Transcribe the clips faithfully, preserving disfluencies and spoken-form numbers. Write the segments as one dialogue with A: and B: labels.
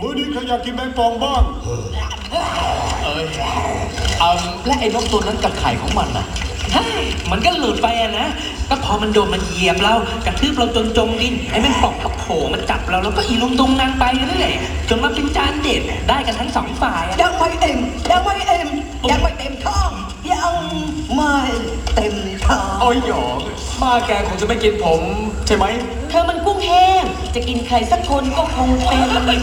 A: มื้อนี้ใครอยากกินแมงป่องบ้าง
B: เอ้ยเอาและไอ้นกตัวนั้นกับไข่ของมันน่ะเฮ้ยมันก็หลุดไปอะนะก็พอมันโดนมันเหยียบเรากระทืบเราจนจมดินไอ้แมงป่องก็โผล่มาจับเราแล้วก็อีลุงตุงนางไปเรื่อยจนมาเป็นจานเด็ดได้กันทั้งสองฝ่ายอะ
C: ยังไม่เต็มยังไม่เต็มยังไม่เต็มท้องยังไม่เต็มท้อง
B: โอ้ยหยอกมาแกคงจะไม่กินผมใช่ไหม
D: เธอมันกุ้งแห้งจะกินใครสักคนก็คงเป็น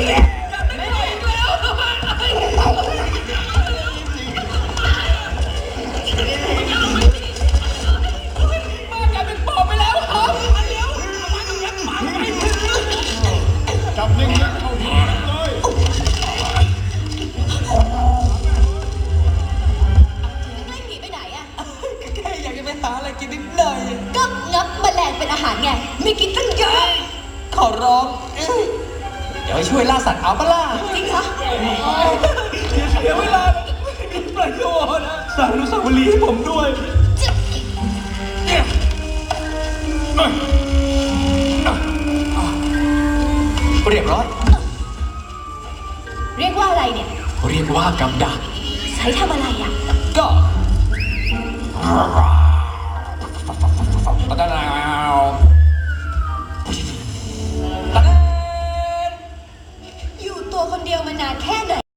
A: จับนิ่งๆเข้าที่เลย
E: ไม่หนีไปไหนอะ
C: แค่อยากจะไปหาอะไรกินนิดหน่อย
E: ก็งับแมลงเป็นอาหารไง ไม่กินตั้งเยอะ
C: ขอร้องเอ้ย
B: เดี๋ยวให้ช่วยล่าสัตว์เอาปะล่ะ
E: จริงเหรอ
B: เดี๋ยวเวลาปล่อยตัวนะสร้างอนุสาวรีย์ให้ผมด้วย เรียบร้อย
E: เรียกว่าอะไรเนี่ย
B: เรียกว่ากับดัก
E: ใช้ทำอะไรอะ
B: ก็ตะนาวตะน
E: อยู่ตัวคนเดียวมานานแค่ไหน